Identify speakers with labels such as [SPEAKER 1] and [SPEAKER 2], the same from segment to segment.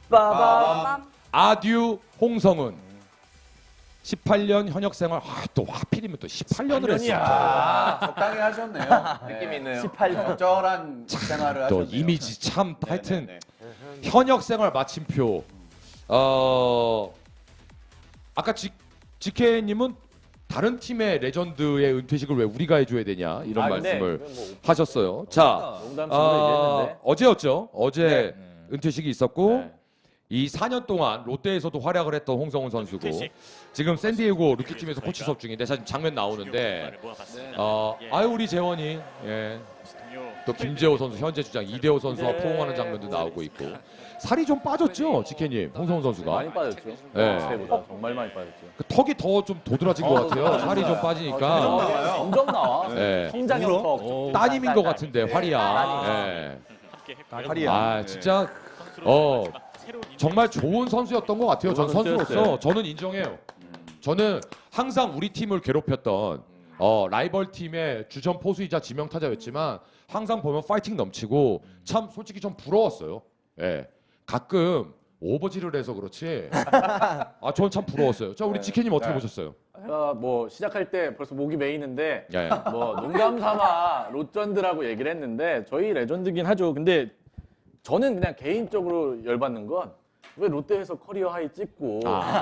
[SPEAKER 1] 빠밤.
[SPEAKER 2] 아듀 홍성은 18년 현역 생활 또 하필이면 또 18년을 했어.
[SPEAKER 3] 적당히 하셨네요.
[SPEAKER 4] 느낌이 있네요.
[SPEAKER 1] 18년.
[SPEAKER 3] 적절한 생활을
[SPEAKER 2] 또
[SPEAKER 3] 하셨네요.
[SPEAKER 2] 이미지 참
[SPEAKER 3] 네,
[SPEAKER 2] 하여튼
[SPEAKER 3] 네, 네.
[SPEAKER 2] 현역 생활 마침표. 아까 지케님은 다른 팀의 레전드의 은퇴식을 왜 우리가 해줘야 되냐 이런 말씀을 하셨어요. 자,
[SPEAKER 1] 농담식으로 얘기했는데.
[SPEAKER 2] 어제였죠. 어제
[SPEAKER 1] 네.
[SPEAKER 2] 은퇴식이 있었고
[SPEAKER 3] 네.
[SPEAKER 2] 이 4년 동안 롯데에서도 활약을 했던 홍성훈 선수고 지금 샌디에고 루키팀에서 코치 수업 중인데 사실 장면 나오는데 아유 우리 재원이 또 김재호 선수 현재 주장 이대호 선수와 포옹하는 장면도 나오고 있고 살이 좀 빠졌죠 지케님 홍성훈 선수가
[SPEAKER 1] 많이 빠졌죠.
[SPEAKER 2] 네.
[SPEAKER 1] 그때보다 정말 많이 빠졌죠.
[SPEAKER 2] 그 턱이 더 좀 도드라진 것 같아요 살이 좀 빠지니까
[SPEAKER 1] 점점 나와.
[SPEAKER 2] 네.
[SPEAKER 1] 성장형 턱.
[SPEAKER 2] 따님인 것 같은데 화리야
[SPEAKER 3] 파리야.
[SPEAKER 2] 아 진짜 정말 좋은 선수였던 것 같아요. 전
[SPEAKER 1] 좋은
[SPEAKER 2] 선수로서
[SPEAKER 1] 선수였어요.
[SPEAKER 2] 저는 인정해요. 저는 항상 우리 팀을 괴롭혔던 라이벌 팀의 주전 포수이자 지명타자였지만 항상 보면 파이팅 넘치고 참 솔직히 좀 부러웠어요. 예, 가끔 오버질을 해서 그렇지. 저는 참 부러웠어요. 자 우리 지케님 어떻게 보셨어요?
[SPEAKER 1] 뭐 시작할 때 벌써 목이 메이는데
[SPEAKER 2] 예.
[SPEAKER 1] 뭐 농담 삼아 롯전드라고 얘기를 했는데 저희 레전드긴 하죠. 근데 저는 그냥 개인적으로 열받는 건 왜 롯데에서 커리어 하이 찍고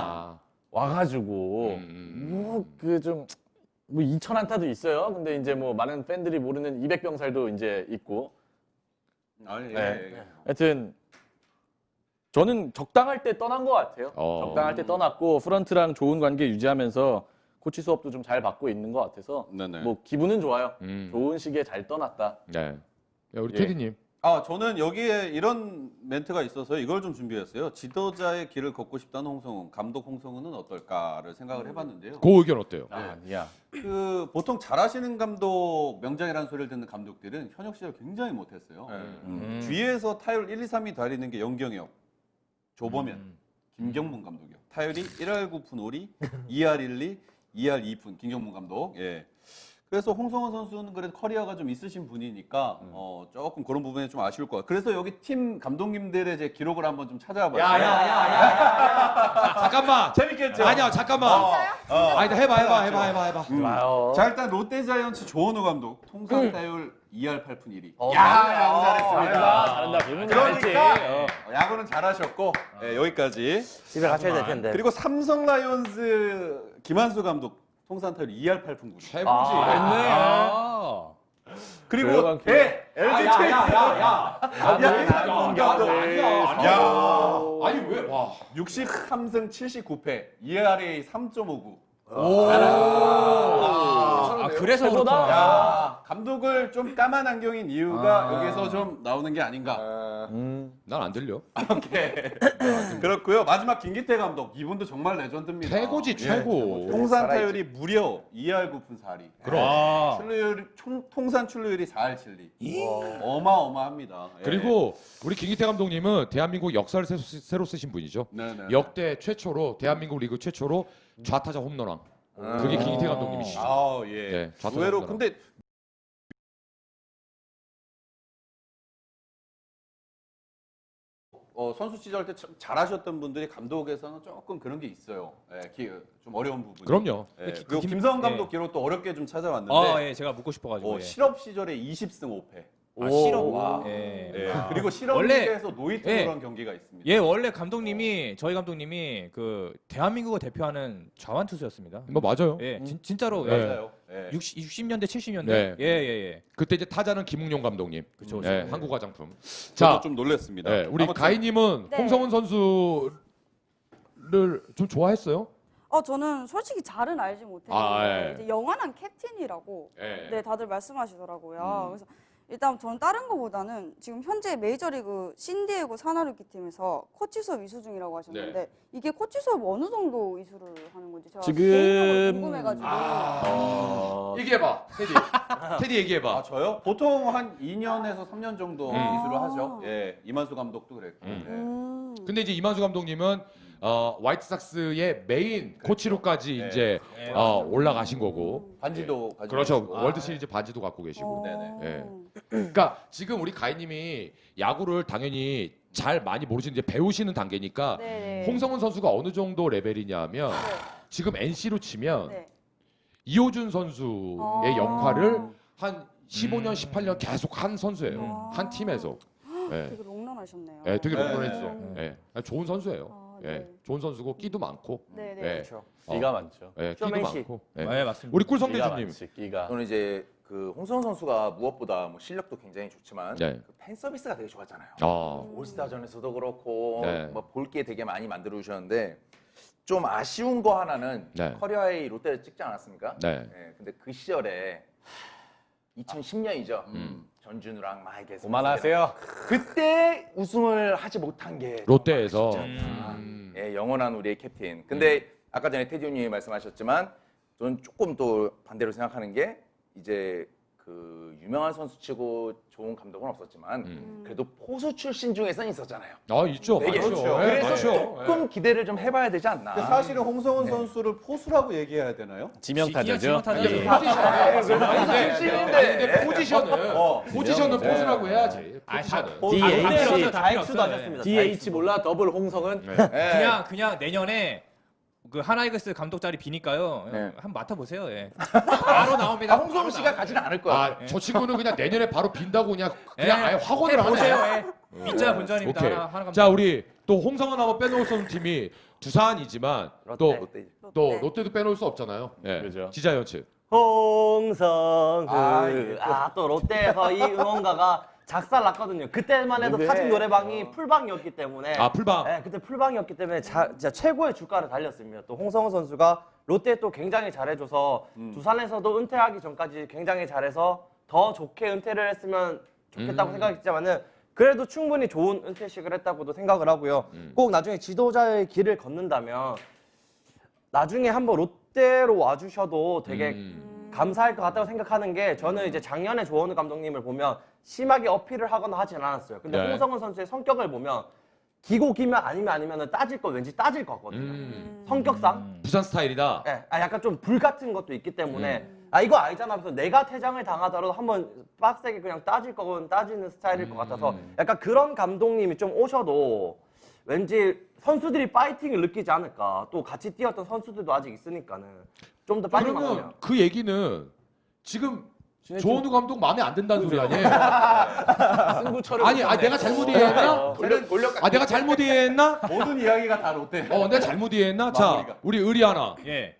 [SPEAKER 1] 와가지고 뭐 그 좀 뭐 2,000안타도 있어요. 근데 이제 뭐 많은 팬들이 모르는 200병살도 이제 있고.
[SPEAKER 3] 아니,
[SPEAKER 1] 네. 하여튼 저는 적당할 때 떠난 것 같아요. 적당할 때 떠났고 프런트랑 좋은 관계 유지하면서 코치 수업도 좀 잘 받고 있는 것 같아서
[SPEAKER 3] 네네.
[SPEAKER 1] 뭐 기분은 좋아요. 좋은 시기에 잘 떠났다.
[SPEAKER 2] 네. 야, 우리
[SPEAKER 1] 예.
[SPEAKER 2] 테디님.
[SPEAKER 3] 저는 여기에 이런 멘트가 있어서 이걸 좀 준비했어요. 지도자의 길을 걷고 싶다는 홍성훈, 감독 홍성훈은 어떨까를 생각을 해봤는데요.
[SPEAKER 2] 그 의견 어때요?
[SPEAKER 1] 아니야.
[SPEAKER 3] 그 보통 잘하시는 감독, 명장이라는 소리를 듣는 감독들은 현역 시절 굉장히 못했어요. 뒤에서 타율 1, 2, 3이 달리는 게 영경혁, 조범현, 김경문 감독이요. 타율이 1할 9푼 5리, 2할 1리, 2할 2푼 김경문 감독. 예. 그래서 홍성훈 선수는 그래도 커리어가 좀 있으신 분이니까 조금 그런 부분이 좀 아쉬울 것 같아요. 그래서 여기 팀 감독님들의 제 기록을 한번 좀 찾아봤어요.
[SPEAKER 2] 잠깐만.
[SPEAKER 3] 재밌겠죠?
[SPEAKER 2] 아니야 잠깐만. 아니 해봐.
[SPEAKER 1] 좋아요.
[SPEAKER 3] 자 일단 롯데자이언츠 조원우 감독 통산 타율 2할 8푼 1리.
[SPEAKER 1] 야구
[SPEAKER 3] 잘했습니다.
[SPEAKER 1] 잘한다. 그러면
[SPEAKER 3] 그러니까
[SPEAKER 1] 잘했지.
[SPEAKER 3] 야구는 잘하셨고 여기까지.
[SPEAKER 5] 집에 가셔야 될 텐데.
[SPEAKER 3] 그리고 삼성 라이온즈 김한수 감독 통산 타율 2할 8푼 9리.
[SPEAKER 2] 최고지.
[SPEAKER 3] 그리고
[SPEAKER 1] 조용한
[SPEAKER 3] LG 트윈스
[SPEAKER 2] 아니 왜 와.
[SPEAKER 3] 63승 79패 2RA 3.59.
[SPEAKER 4] 그래서
[SPEAKER 1] 최고다.
[SPEAKER 3] 야, 감독을 좀 까만 안경인 이유가 여기서 좀 나오는 게 아닌가.
[SPEAKER 2] 난 안 들려.
[SPEAKER 3] 그렇고요. 마지막 김기태 감독 이분도 정말 레전드입니다.
[SPEAKER 2] 최고지 최고.
[SPEAKER 3] 통산 타율이 무려 2할 9푼 4리.
[SPEAKER 2] 그럼.
[SPEAKER 3] 출루율 통산 출루율이 4할 7리. 어마어마합니다. 예.
[SPEAKER 2] 그리고 우리 김기태 감독님은 대한민국 역사를 새로 쓰신 분이죠.
[SPEAKER 3] 네네.
[SPEAKER 2] 역대 최초로 대한민국 리그 최초로 좌타자 홈런왕. 그게 김기태 감독님이시죠.
[SPEAKER 3] 아, 예.
[SPEAKER 2] 네, 좌타자
[SPEAKER 3] 의외로
[SPEAKER 2] 홈런왕.
[SPEAKER 3] 근데 선수 시절 때 참 잘하셨던 분들이 감독에서는 조금 그런 게 있어요. 좀 어려운 부분.
[SPEAKER 2] 그럼요.
[SPEAKER 3] 그리고 김성훈 감독 기록 또 어렵게 좀 찾아왔는데
[SPEAKER 4] 예, 제가 묻고 싶어가지고.
[SPEAKER 3] 실업 시절에 20승 5패.
[SPEAKER 4] 실업. 예.
[SPEAKER 3] 그리고 실업
[SPEAKER 4] 원래-
[SPEAKER 3] 리그에서 노이트로 한 경기가 있습니다.
[SPEAKER 4] 예, 원래 감독님이 저희 감독님이 그 대한민국을 대표하는 좌완 투수였습니다.
[SPEAKER 2] 뭐 맞아요.
[SPEAKER 4] 예, 진짜로
[SPEAKER 2] 네.
[SPEAKER 3] 맞아요. 예.
[SPEAKER 4] 60년대 70년대.
[SPEAKER 2] 네.
[SPEAKER 4] 예.
[SPEAKER 2] 그때 이제 타자는 김웅용 감독님.
[SPEAKER 4] 그쵸.
[SPEAKER 2] 네, 한국 화장품.
[SPEAKER 3] 저도
[SPEAKER 2] 자,
[SPEAKER 3] 좀 놀랐습니다.
[SPEAKER 2] 네, 우리
[SPEAKER 3] 아무튼
[SPEAKER 2] 가희님은
[SPEAKER 6] 네.
[SPEAKER 2] 홍성훈 선수를 좀 좋아했어요?
[SPEAKER 6] 저는 솔직히 잘은 알지 못했는데
[SPEAKER 2] 예.
[SPEAKER 6] 이제 영원한 캡틴이라고
[SPEAKER 2] 네.
[SPEAKER 6] 네 다들 말씀하시더라고요. 그래서 일단 저는 다른 거보다는 지금 현재 메이저리그 신디에고 사나루키 팀에서 코치 수업 이수 중이라고 하셨는데
[SPEAKER 2] 네.
[SPEAKER 6] 이게 코치 수업 어느 정도 이수를 하는 건지 제가
[SPEAKER 1] 지금-
[SPEAKER 6] 개인적으로 궁금해가지고
[SPEAKER 2] 얘기해봐, 테디. 테디 얘기해봐.
[SPEAKER 3] 저요? 보통 한 2년에서 3년 정도 이수를 하죠. 예, 이만수 감독도 그랬고.
[SPEAKER 2] 근데 이제 이만수 감독님은 화이트삭스의 메인 코치로까지
[SPEAKER 3] 네.
[SPEAKER 2] 이제 올라가신 거고.
[SPEAKER 3] 반지도 가지고
[SPEAKER 2] 그렇죠.
[SPEAKER 3] 계시고.
[SPEAKER 2] 월드 시리즈 반지도 갖고 계시고.
[SPEAKER 3] 네네.
[SPEAKER 2] 예. 그러니까 지금 우리 가희님이 야구를 당연히 잘 많이 모르시는 이제 배우시는 단계니까
[SPEAKER 6] 네네.
[SPEAKER 2] 홍성훈 선수가 어느 정도 레벨이냐면
[SPEAKER 6] 네.
[SPEAKER 2] 지금 NC로 치면
[SPEAKER 6] 네.
[SPEAKER 2] 이호준 선수의
[SPEAKER 6] 아.
[SPEAKER 2] 역할을 한 15년, 18년 계속 한 선수예요. 한 팀에서. 예.
[SPEAKER 6] 되게 롱런하셨네요.
[SPEAKER 2] 예, 되게
[SPEAKER 3] 네.
[SPEAKER 2] 롱런했어. 예. 좋은 선수예요.
[SPEAKER 6] 아,
[SPEAKER 2] 예.
[SPEAKER 6] 네.
[SPEAKER 2] 좋은 선수고 끼도 많고.
[SPEAKER 6] 네네.
[SPEAKER 2] 예.
[SPEAKER 5] 그렇죠.
[SPEAKER 1] 끼가 많죠.
[SPEAKER 2] 예, 끼도
[SPEAKER 5] 쇼맨십.
[SPEAKER 2] 많고. 예.
[SPEAKER 4] 네, 맞습니다.
[SPEAKER 2] 우리
[SPEAKER 1] 끼가
[SPEAKER 2] 꿀성대주님.
[SPEAKER 1] 많지, 끼가.
[SPEAKER 5] 저는 이제 그 홍성훈 선수가 무엇보다 뭐 실력도 굉장히 좋지만
[SPEAKER 2] 네.
[SPEAKER 5] 그 팬 서비스가 되게 좋았잖아요.
[SPEAKER 2] 아.
[SPEAKER 5] 올스타전에서도 그렇고
[SPEAKER 2] 네.
[SPEAKER 5] 뭐 볼 게 되게 많이 만들어 주셨는데 좀 아쉬운 거 하나는
[SPEAKER 2] 네.
[SPEAKER 5] 커리어하이 롯데를 찍지 않았습니까?
[SPEAKER 2] 네.
[SPEAKER 5] 근데 그 시절에 2010년이죠.
[SPEAKER 2] 음.
[SPEAKER 5] 전준우랑 막 이렇게
[SPEAKER 1] 그만하세요.
[SPEAKER 5] 그때 우승을 하지 못한 게
[SPEAKER 2] 롯데에서.
[SPEAKER 5] 예, 영원한 우리의 캡틴. 근데 아까 전에 테디 형님이 말씀하셨지만 저는 조금 또 반대로 생각하는 게 이제 그 유명한 선수치고 좋은 감독은 없었지만 그래도 포수 출신 중에선 있었잖아요.
[SPEAKER 2] 아, 있죠.
[SPEAKER 5] 되게
[SPEAKER 2] 많죠.
[SPEAKER 5] 좋죠.
[SPEAKER 2] 예,
[SPEAKER 5] 그래서
[SPEAKER 2] 많죠.
[SPEAKER 5] 조금 기대를 좀 해봐야 되지 않나.
[SPEAKER 3] 근데 사실은 홍성훈 선수를 포수라고 얘기해야 되나요?
[SPEAKER 1] 지명타자죠.
[SPEAKER 4] 지명타자죠.
[SPEAKER 2] 예.
[SPEAKER 5] 출신인데.
[SPEAKER 2] 근데 포지션은
[SPEAKER 1] 네.
[SPEAKER 2] 포수라고 해야지. 포지션은.
[SPEAKER 1] DH.
[SPEAKER 5] 다익수도
[SPEAKER 1] 하셨습니다. DH 몰라 더블 홍성은.
[SPEAKER 4] 그냥 내년에 그 하나이글스 감독 자리 비니까요.
[SPEAKER 5] 네.
[SPEAKER 4] 한번 맡아보세요. 예. 바로 나옵니다.
[SPEAKER 5] 홍성훈 씨가 가지는 않을 거야.
[SPEAKER 2] 아, 저 친구는 그냥 내년에 바로 빈다고 그냥
[SPEAKER 4] 예.
[SPEAKER 2] 아예 확언을
[SPEAKER 4] 보세요.
[SPEAKER 2] 하네.
[SPEAKER 4] 예. 밑자 본전입니다.
[SPEAKER 2] 오케이.
[SPEAKER 4] 하나 감독.
[SPEAKER 2] 자, 우리 또 홍성은 한번 빼놓을 수 없는 팀이 두산이지만 또
[SPEAKER 5] 롯데.
[SPEAKER 2] 또 롯데도 빼놓을 수 없잖아요. 예.
[SPEAKER 1] 그죠.
[SPEAKER 2] 지자이언츠.
[SPEAKER 7] 홍성은
[SPEAKER 3] 아,
[SPEAKER 7] 또 롯데에서 이 응원가가 작살났거든요. 그때만 해도
[SPEAKER 1] 네.
[SPEAKER 7] 사직 노래방이 풀방이었기 때문에
[SPEAKER 2] 아, 풀방.
[SPEAKER 7] 네, 그때 풀방이었기 때문에 진짜 최고의 주가를 달렸습니다. 또 홍성훈 선수가 롯데에 또 굉장히 잘해줘서 두산에서도 은퇴하기 전까지 굉장히 잘해서 더 좋게 은퇴를 했으면 좋겠다고 생각했지만은 그래도 충분히 좋은 은퇴식을 했다고도 생각을 하고요. 꼭 나중에 지도자의 길을 걷는다면 나중에 한번 롯데로 와주셔도 되게 감사할 것 같다고 생각하는 게 저는 이제 작년에 조원우 감독님을 보면 심하게 어필을 하거나 하진 않았어요. 근데
[SPEAKER 2] 네.
[SPEAKER 7] 홍성훈 선수의 성격을 보면 기고 기면 아니면은 따질 거 왠지 따질 것 같거든요. 성격상.
[SPEAKER 2] 부산 스타일이다.
[SPEAKER 7] 예, 약간 좀 불 같은 것도 있기 때문에 이거 알잖아 하면서 내가 퇴장을 당하더라도 한번 빡세게 그냥 따질 거건 따지는 스타일일 것 같아서 약간 그런 감독님이 좀 오셔도 왠지 선수들이 파이팅을 느끼지 않을까. 또 같이 뛰었던 선수들도 아직 있으니까는 좀 더 빨리
[SPEAKER 2] 그러면
[SPEAKER 7] 만나면.
[SPEAKER 2] 그 얘기는 지금 조원우 감독 마음에 안 든다는 소리 아니에요?
[SPEAKER 1] 승부처럼.
[SPEAKER 2] 아니, 내가 잘못 이해했나? 내가 잘못 이해했나?
[SPEAKER 3] 모든 이야기가 다 롯데.
[SPEAKER 2] 내가 잘못 이해했나? 자,
[SPEAKER 3] 마무리가.
[SPEAKER 2] 우리 의리 하나.
[SPEAKER 4] 예.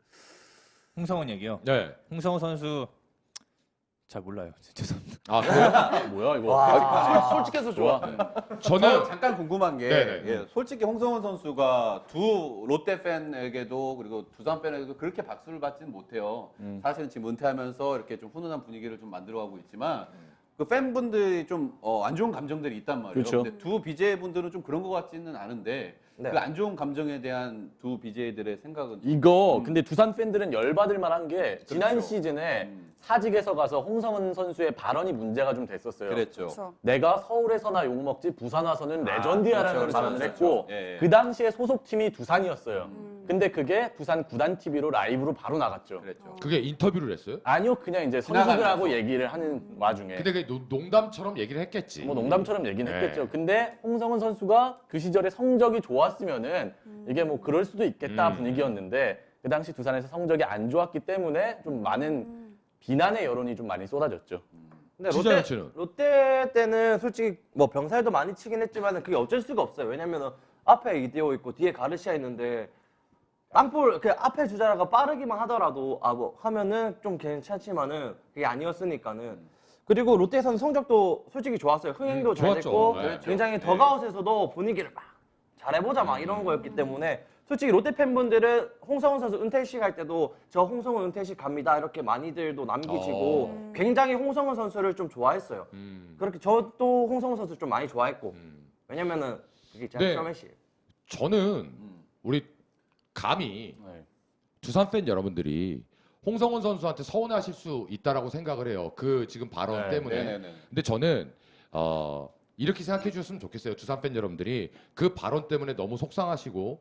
[SPEAKER 4] 홍성훈 얘기요.
[SPEAKER 2] 네.
[SPEAKER 4] 홍성훈 선수 잘 몰라요. 죄송합니다.
[SPEAKER 2] 아, 그래요?
[SPEAKER 1] 뭐야 이거.
[SPEAKER 5] 솔직해서 좋아.
[SPEAKER 2] 저는
[SPEAKER 3] 잠깐 궁금한 게
[SPEAKER 2] 네네.
[SPEAKER 3] 예, 솔직히 홍성훈 선수가 두 롯데 팬에게도 그리고 두산 팬에게도 그렇게 박수를 받지는 못해요. 사실은 지금 은퇴하면서 이렇게 좀 훈훈한 분위기를 좀 만들어가고 있지만 그 팬분들이 좀 안 좋은 감정들이 있단 말이에요.
[SPEAKER 1] 그렇죠.
[SPEAKER 3] 근데 두 BJ 분들은 좀 그런 것 같지는 않은데
[SPEAKER 7] 네.
[SPEAKER 3] 그 안 좋은 감정에 대한 두 BJ들의 생각은
[SPEAKER 1] 이거 근데 두산 팬들은 열받을 만한 게 지난
[SPEAKER 3] 그렇죠.
[SPEAKER 1] 시즌에 사직에서 가서 홍성은 선수의 발언이 문제가 좀 됐었어요.
[SPEAKER 3] 그랬죠.
[SPEAKER 6] 그렇죠.
[SPEAKER 1] 내가 서울에서나 욕먹지 부산 와서는 레전드야라는
[SPEAKER 3] 그렇죠,
[SPEAKER 1] 발언을
[SPEAKER 3] 그렇죠,
[SPEAKER 1] 했고
[SPEAKER 3] 그렇죠. 예, 예.
[SPEAKER 1] 그 당시에 소속팀이 두산이었어요. 근데 그게 두산 구단 TV로 라이브로 바로 나갔죠.
[SPEAKER 3] 그랬죠.
[SPEAKER 2] 그게 인터뷰를 했어요?
[SPEAKER 1] 아니요, 그냥 이제 선수들하고 얘기를 하는 와중에
[SPEAKER 2] 근데 그게 농담처럼 얘기를 했겠지.
[SPEAKER 1] 뭐 농담처럼 얘기는
[SPEAKER 2] 네.
[SPEAKER 1] 했겠죠. 근데 홍성은 선수가 그 시절에 성적이 좋았으면은 이게 뭐 그럴 수도 있겠다 분위기였는데 그 당시 두산에서 성적이 안 좋았기 때문에 좀 많은 비난의 여론이 좀 많이 쏟아졌죠.
[SPEAKER 7] 근데
[SPEAKER 2] 지자이언츠는?
[SPEAKER 7] 롯데 때는 솔직히 뭐 병살도 많이 치긴 했지만 그게 어쩔 수가 없어요. 왜냐면은 앞에 이대호 있고 뒤에 가르시아 있는데 땅볼 그 앞에 주자라가 빠르기만 하더라도 뭐 하면은 좀 괜찮지만은 그게 아니었으니까는 그리고 롯데에서는 성적도 솔직히 좋았어요. 흥행도 잘
[SPEAKER 2] 좋았죠.
[SPEAKER 7] 됐고
[SPEAKER 2] 네.
[SPEAKER 7] 굉장히 더가웃에서도 분위기를 막 잘해보자 막 이런 거였기 때문에 솔직히 롯데 팬분들은 홍성훈 선수 은퇴식 할 때도 저 홍성훈 은퇴식 갑니다 이렇게 많이들도 남기시고 굉장히 홍성훈 선수를 좀 좋아했어요. 그렇게 저도 홍성훈 선수 좀 많이 좋아했고 왜냐면은 그게 진짜
[SPEAKER 2] 네.
[SPEAKER 7] 쇼맨십.
[SPEAKER 2] 저는 우리 감히
[SPEAKER 1] 네.
[SPEAKER 2] 두산 팬 여러분들이 홍성훈 선수한테 서운해하실 수 있다라고 생각을 해요. 그 지금 발언
[SPEAKER 1] 네,
[SPEAKER 2] 때문에.
[SPEAKER 3] 네네네.
[SPEAKER 2] 근데 저는 이렇게 생각해 주셨으면 좋겠어요. 두산 팬 여러분들이 그 발언 때문에 너무 속상하시고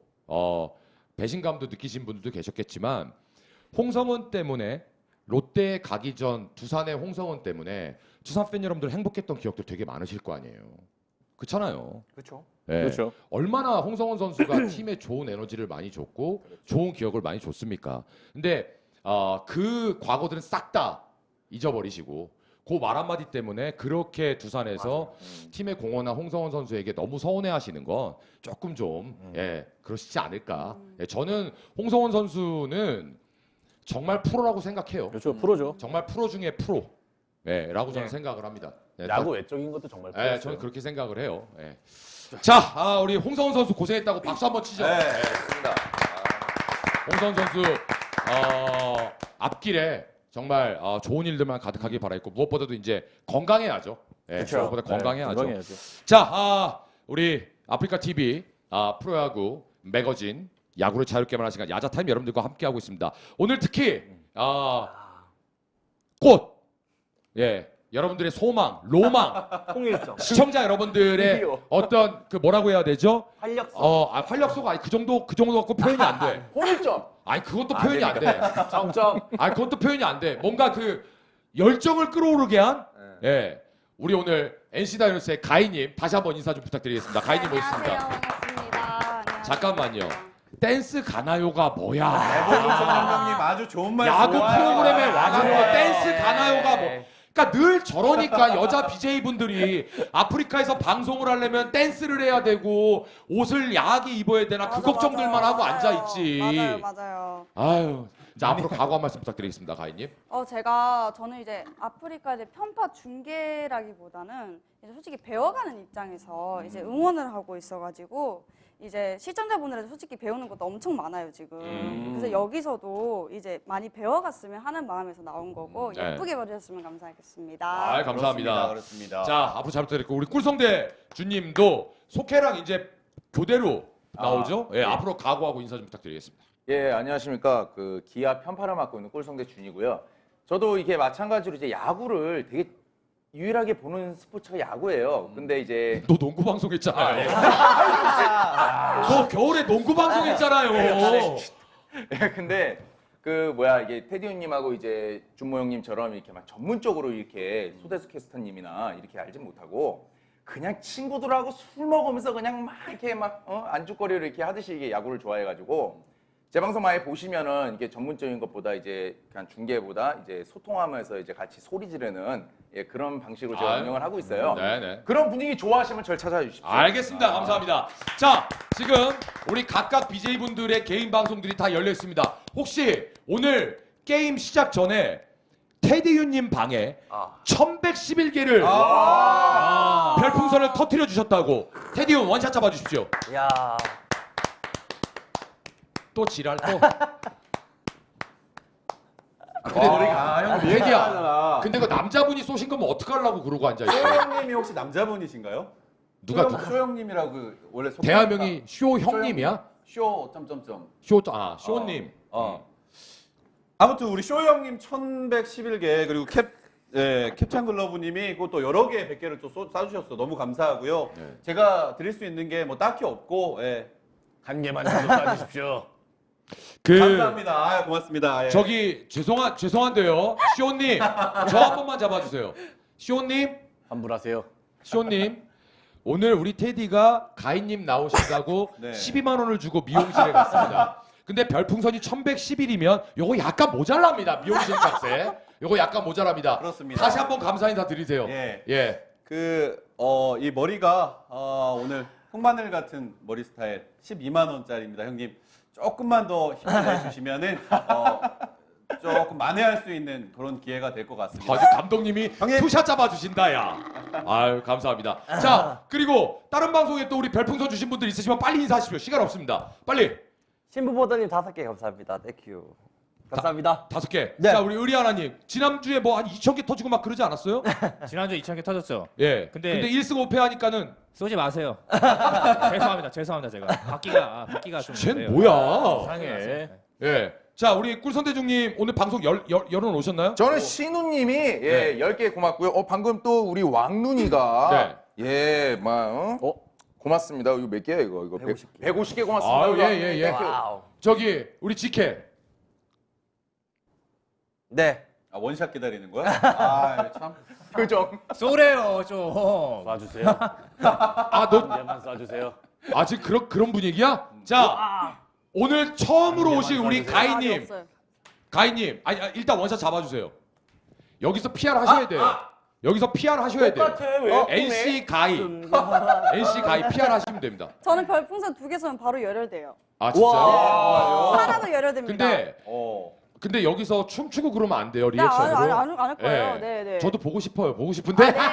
[SPEAKER 2] 배신감도 느끼신 분들도 계셨겠지만 홍성훈 때문에 롯데에 가기 전 두산의 홍성훈 때문에 두산 팬 여러분들 행복했던 기억들 되게 많으실 거 아니에요. 그렇잖아요.
[SPEAKER 7] 그렇죠.
[SPEAKER 2] 예.
[SPEAKER 1] 그렇죠.
[SPEAKER 2] 얼마나 홍성훈 선수가 팀에 좋은 에너지를 많이 줬고 좋은 기억을 많이 줬습니까? 근데 그 과거들은 싹 다 잊어버리시고 그 말 한마디 때문에 그렇게 두산에서 팀에 공헌한 홍성훈 선수에게 너무 서운해하시는 건 조금 좀 그러시지 않을까. 예, 저는 홍성훈 선수는 정말 프로라고 생각해요.
[SPEAKER 1] 그렇죠. 프로죠.
[SPEAKER 2] 정말 프로 중에 프로. 라고 저는 생각을 합니다. 예,
[SPEAKER 1] 야구 외적인 것도 정말
[SPEAKER 2] 예,
[SPEAKER 1] 프로였어요.
[SPEAKER 2] 저는 그렇게 생각을 해요. 예. 자, 우리 홍성훈 선수 고생했다고 박수 한번 치죠.
[SPEAKER 3] 네.
[SPEAKER 5] 좋습니다.
[SPEAKER 2] 홍성훈 선수 앞길에 정말 좋은 일들만 가득하길 바라겠고 무엇보다도 이제 건강해야죠. 무엇보다 건강해야죠.
[SPEAKER 1] 건강해야죠.
[SPEAKER 2] 자, 우리 아프리카 TV 프로야구 매거진 야구를 자유롭게만 하는 시간 야자타임 여러분들과 함께하고 있습니다. 오늘 특히 꽃 여러분들의 소망, 로망,
[SPEAKER 7] 통일점.
[SPEAKER 2] 시청자 여러분들의
[SPEAKER 5] 드디어.
[SPEAKER 2] 어떤 그 뭐라고 해야 되죠?
[SPEAKER 7] 활력소.
[SPEAKER 2] 활력소가 아니 그 정도 갖고 표현이 안 돼.
[SPEAKER 5] 홍일점.
[SPEAKER 2] 아니 그것도 표현이 안 돼.
[SPEAKER 1] 정점.
[SPEAKER 2] 아니 그것도 표현이 안 돼. 뭔가 그 열정을 끌어오르게 한 우리 오늘 NC 다이노스의 가희님 다시 한번 인사 좀 부탁드리겠습니다. 가희님 모셨습니다.
[SPEAKER 6] 안녕하세요. 반갑습니다. 안녕하세요.
[SPEAKER 2] 잠깐만요. 댄스 가나요가 뭐야?
[SPEAKER 3] 레볼루션 감독님 아주 좋은 말
[SPEAKER 2] 야구
[SPEAKER 3] 좋아요.
[SPEAKER 2] 프로그램에 와가지고
[SPEAKER 3] 네.
[SPEAKER 2] 댄스 가나요가 뭐? 그러니까 늘 저러니까 여자 BJ 분들이 아프리카에서 방송을 하려면 댄스를 해야 되고 옷을 야하게 입어야 되나 그
[SPEAKER 6] 맞아,
[SPEAKER 2] 걱정들만
[SPEAKER 6] 맞아요.
[SPEAKER 2] 하고 앉아 있지.
[SPEAKER 6] 맞아요.
[SPEAKER 2] 아유, 자 앞으로 각오 한 말씀 부탁드리겠습니다, 가희님.
[SPEAKER 6] 저는 이제 아프리카 이제 편파 중계라기보다는 이제 솔직히 배워가는 입장에서 이제 응원을 하고 있어가지고 이제 시청자분들한테 솔직히 배우는 것도 엄청 많아요 지금. 그래서 여기서도 이제 많이 배워갔으면 하는 마음에서 나온 거고
[SPEAKER 2] 네.
[SPEAKER 6] 예쁘게 봐주셨으면 감사하겠습니다.
[SPEAKER 2] 아, 감사합니다.
[SPEAKER 3] 그렇습니다.
[SPEAKER 2] 자 앞으로 잘 부탁드리고 우리 꿀성대 주님도 속해랑 이제 교대로 나오죠. 앞으로 각오하고 인사 좀 부탁드리겠습니다.
[SPEAKER 5] 예, 안녕하십니까. 그 기아 편파를 맡고 있는 꿀성대 준이고요. 저도 이게 마찬가지로 이제 야구를 되게 유일하게 보는 스포츠가 야구예요. 근데 이제
[SPEAKER 2] 너 농구 방송 했잖아요. 너 겨울에 농구 방송 했잖아요.
[SPEAKER 5] 근데 그 뭐야 이게 테디 형님하고 이제 준모 형님처럼 이렇게 막 전문적으로 이렇게 소대수 캐스터님이나 이렇게 알진 못하고 그냥 친구들하고 술 먹으면서 그냥 막 이렇게 막 안주거리를 이렇게 하듯이 이게 야구를 좋아해가지고 제 방송 많이 보시면은 이게 전문적인 것보다 이제 그냥 중계보다 이제 소통하면서 이제 같이 소리 지르는 그런 방식으로 제가
[SPEAKER 2] 아유.
[SPEAKER 5] 운영을 하고 있어요.
[SPEAKER 2] 네네.
[SPEAKER 5] 그런 분위기 좋아하시면 절 찾아와 주십시오.
[SPEAKER 2] 알겠습니다. 감사합니다. 자, 지금 우리 각각 BJ 분들의 개인 방송들이 다 열려 있습니다. 혹시 오늘 게임 시작 전에 테디유님 방에 1111개를 별풍선을 터뜨려 주셨다고 테디유 원샷 잡아 주십시오.
[SPEAKER 7] 야.
[SPEAKER 2] 또 지랄 또.
[SPEAKER 3] 근데 형
[SPEAKER 2] 테디야. 근데 그 남자분이 쏘신 거면 어떡하려고 그러고 앉아 있어?
[SPEAKER 3] 쇼형님이 혹시 남자분이신가요?
[SPEAKER 2] 누가
[SPEAKER 3] 쇼형님이라고 그 원래
[SPEAKER 2] 대화명이 쇼 형님이야?
[SPEAKER 3] 쇼 점점점.
[SPEAKER 2] 쇼님.
[SPEAKER 3] 아무튼 우리 쇼 형님 1111개 그리고 캡찬 글러브님이 그것도 여러 개 100개를 또 쏴주셨어. 너무 감사하고요.
[SPEAKER 2] 네.
[SPEAKER 3] 제가 드릴 수 있는 게 뭐 딱히 없고
[SPEAKER 1] 한 개만 좀 쏴주십시오.
[SPEAKER 3] 감사합니다. 아유, 고맙습니다. 예.
[SPEAKER 2] 저기 죄송한데요. 쇼님 저 한 번만 잡아주세요. 쇼님 오늘 우리 테디가 가인님 나오신다고
[SPEAKER 3] 네.
[SPEAKER 2] 12만 원을 주고 미용실에 갔습니다. 근데 별풍선이 1111이면 요거 약간 모자랍니다. 미용실 값에 요거 약간 모자랍니다.
[SPEAKER 3] 그렇습니다.
[SPEAKER 2] 다시 한번 감사 인사 드리세요.
[SPEAKER 3] 예. 이 머리가 오늘 흑마늘 같은 머리 스타일 12만 원짜리입니다, 형님. 조금만 더 힘을 내주시면은 조금 만회할 수 있는 그런 기회가 될 것 같습니다.
[SPEAKER 2] 아주 감독님이
[SPEAKER 3] 형님.
[SPEAKER 2] 투샷 잡아주신다 야. 아유 감사합니다. 자 그리고 다른 방송에 또 우리 별풍선 주신 분들 있으시면 빨리 인사하십시오. 시간 없습니다. 빨리
[SPEAKER 7] 신부보더님 5개 감사합니다. 땡큐. 감사합니다.
[SPEAKER 2] 5개.
[SPEAKER 7] 네.
[SPEAKER 2] 자 우리 의리하나님 지난주에 뭐 한 2,000개 터지고 막 그러지 않았어요?
[SPEAKER 4] 지난주에 2,000개 터졌죠.
[SPEAKER 2] 예.
[SPEAKER 4] 근데
[SPEAKER 2] 1승 5패 하니까는
[SPEAKER 4] 쏘지 마세요. 죄송합니다 제가. 바퀴가 좀.
[SPEAKER 2] 쟤는
[SPEAKER 4] 그래요.
[SPEAKER 2] 뭐야?
[SPEAKER 1] 상해.
[SPEAKER 2] 예. 자 우리 꿀선대중님 오늘 방송 열어 놓으셨나요?
[SPEAKER 5] 저는 신우님이
[SPEAKER 2] 네.
[SPEAKER 5] 10개 고맙고요. 방금 또 우리 왕눈이가 고맙습니다. 이거 몇 개야 이거? 150개 고맙습니다.
[SPEAKER 2] 아유, 예.
[SPEAKER 7] 와우.
[SPEAKER 2] 저기 우리 지케.
[SPEAKER 7] 네.
[SPEAKER 3] 아, 원샷 기다리는 거야? 아, 참.
[SPEAKER 5] 표정.
[SPEAKER 4] 쏘래요 좀.
[SPEAKER 1] 쏴주세요.
[SPEAKER 2] 아, 너
[SPEAKER 1] 이제만 쏴주세요.
[SPEAKER 2] 아직 그런 분위기야? 자, 오늘 처음으로 오신 우리
[SPEAKER 6] 말이
[SPEAKER 2] 가희님.
[SPEAKER 6] 없어요.
[SPEAKER 2] 가희님, 아니 일단 원샷 잡아주세요. 여기서 PR 하셔야 돼요. 여기서 PR 하셔야 돼요.
[SPEAKER 7] 똑같아 왜?
[SPEAKER 2] NC 가희, NC 가희 PR 하시면 됩니다.
[SPEAKER 6] 저는 별풍선 2개 쏘면 바로 열혈돼요.
[SPEAKER 2] 아 진짜요?
[SPEAKER 6] 하나도 열혈됩니다.
[SPEAKER 2] 근데 여기서 춤추고 그러면 안 돼요
[SPEAKER 6] 네,
[SPEAKER 2] 리액션으로.
[SPEAKER 6] 안할 거예요.
[SPEAKER 2] 예.
[SPEAKER 6] 네, 네.
[SPEAKER 2] 저도 보고 싶어요. 보고 싶은데
[SPEAKER 6] 네.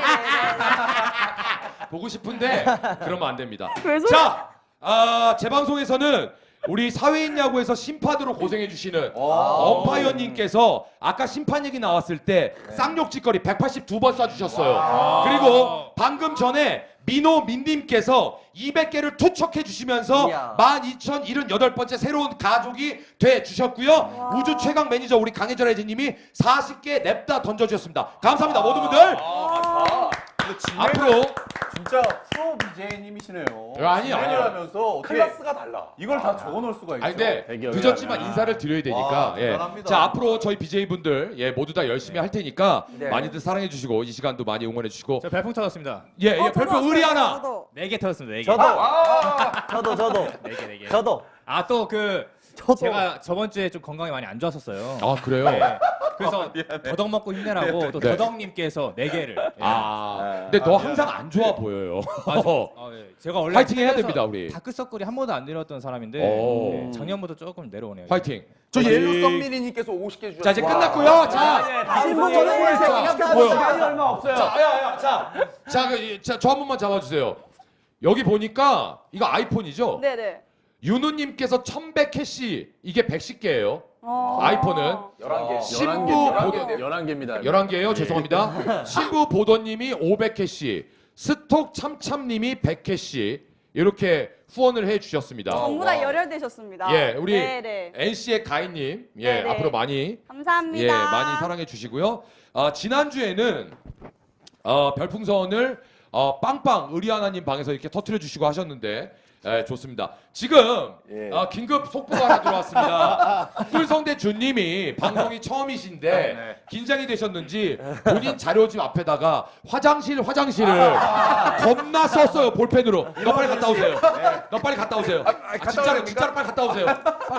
[SPEAKER 2] 보고 싶은데 그러면 안 됩니다.
[SPEAKER 6] 왜 소리-
[SPEAKER 2] 자, 제 방송에서는 우리 사회인 야구에서 심판으로 고생해주시는 엄파이어님께서 아까 심판 얘기 나왔을 때 쌍욕짓거리 182번 쏴주셨어요. 그리고 방금 전에 민호민님께서 200개를 투척해주시면서
[SPEAKER 7] 이야.
[SPEAKER 2] 12,078번째 새로운 가족이 돼주셨고요. 우주 최강 매니저 우리 강혜절 애지님이 40개 냅다 던져주셨습니다. 감사합니다 모든 분들. 앞으로
[SPEAKER 3] 진짜 프로 BJ님이시네요.
[SPEAKER 2] 아니요.
[SPEAKER 3] 하면서 어떻게
[SPEAKER 5] 클래스가 달라.
[SPEAKER 3] 이걸 다 적어놓을 수가 있죠.
[SPEAKER 2] 아니 근데
[SPEAKER 1] 대기업이
[SPEAKER 2] 늦었지만
[SPEAKER 1] 아니라.
[SPEAKER 2] 인사를 드려야 되니까
[SPEAKER 3] 와,
[SPEAKER 2] 예.
[SPEAKER 3] 대단합니다.
[SPEAKER 2] 자 앞으로 저희 BJ 분들 모두 다 열심히 할 테니까
[SPEAKER 7] 네.
[SPEAKER 2] 많이들 사랑해 주시고 이 시간도 많이 응원해 주시고
[SPEAKER 4] 저 별풍 터졌습니다.
[SPEAKER 2] 저도 별표 의리 하나.
[SPEAKER 6] 저도.
[SPEAKER 4] 4개 터졌습니다. 4개.
[SPEAKER 7] 저도
[SPEAKER 4] 4개.
[SPEAKER 7] 저도
[SPEAKER 4] 아 또 그
[SPEAKER 7] 저도
[SPEAKER 4] 제가 저번 주에 좀 건강이 많이 안 좋았었어요.
[SPEAKER 2] 아 그래요?
[SPEAKER 4] 네. 그래서 더덕 먹고 힘내라고 또
[SPEAKER 2] 네.
[SPEAKER 4] 더덕님께서 4개를.
[SPEAKER 2] 근데 너 항상 안 좋아 보여요.
[SPEAKER 4] 제가 원래
[SPEAKER 2] 파이팅 해야
[SPEAKER 4] 살면서
[SPEAKER 2] 됩니다, 우리.
[SPEAKER 4] 다크서클이 한 번도 안 내려왔던 사람인데
[SPEAKER 2] 오.
[SPEAKER 4] 네, 작년부터 조금 내려오네요.
[SPEAKER 2] 파이팅.
[SPEAKER 5] 저 옐로 썸미리님께서 50개 주셨어요.
[SPEAKER 2] 자 이제 끝났고요. 자
[SPEAKER 7] 신분 전해보세요.
[SPEAKER 2] 뭐요?
[SPEAKER 7] 시간이 얼마 없어요.
[SPEAKER 2] 저 한 번만 잡아주세요. 여기 보니까 이거 아이폰이죠?
[SPEAKER 6] 네네.
[SPEAKER 2] 윤우님께서 1100캐시 이게 110개예요.
[SPEAKER 6] 어.
[SPEAKER 2] 아이폰은
[SPEAKER 5] 11개.
[SPEAKER 2] 신부
[SPEAKER 1] 11개입니다.
[SPEAKER 2] 11개예요. 죄송합니다. 신부 보더님이 500캐시, 스톡 참참님이 100캐시 이렇게 후원을 해주셨습니다.
[SPEAKER 6] 전부 다 열혈되셨습니다.
[SPEAKER 2] 예, 우리
[SPEAKER 6] 네네.
[SPEAKER 2] NC의 가인님,
[SPEAKER 6] 네네.
[SPEAKER 2] 앞으로 많이
[SPEAKER 6] 감사합니다.
[SPEAKER 2] 많이 사랑해 주시고요. 지난 주에는 별풍선을 빵빵 의리하나님 방에서 이렇게 터트려 주시고 하셨는데. 좋습니다. 지금 긴급 속보가 하나 들어왔습니다. 꿀성대 준님이 방송이 처음이신데 긴장이 되셨는지 본인 자료집 앞에다가 화장실을 겁나 썼어요 볼펜으로. 너 빨리 갔다 오세요. 너 빨리 갔다 오세요. 진짜로 빨리 갔다 오세요.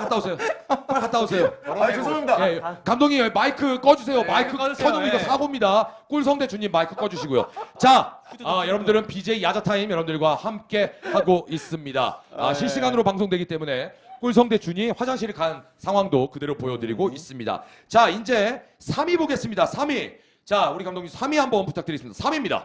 [SPEAKER 2] 빨리 갔다 오세요.
[SPEAKER 5] 죄송합니다.
[SPEAKER 2] 예, 감독님 마이크 꺼주세요. 마이크
[SPEAKER 4] 꺼주세요.
[SPEAKER 2] 켜주면 이거
[SPEAKER 4] 예.
[SPEAKER 2] 사고입니다. 꿀성대 주님 마이크 꺼주시고요. 자, 여러분들은 BJ 야자타임 여러분들과 함께 하고 있습니다. 실시간으로 방송되기 때문에 꿀성대 준이 화장실에 간 상황도 그대로 보여드리고 있습니다. 자, 이제 3위 보겠습니다. 3위. 자, 우리 감독님 3위 한번 부탁드리겠습니다. 3위입니다.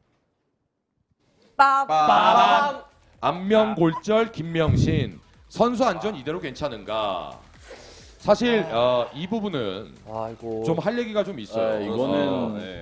[SPEAKER 6] 빠밤.
[SPEAKER 2] 안명골절 김명신 선수 안전 이대로 괜찮은가? 사실 이 부분은
[SPEAKER 7] 아이고
[SPEAKER 2] 좀 할 얘기가 좀 있어요.
[SPEAKER 1] 이거는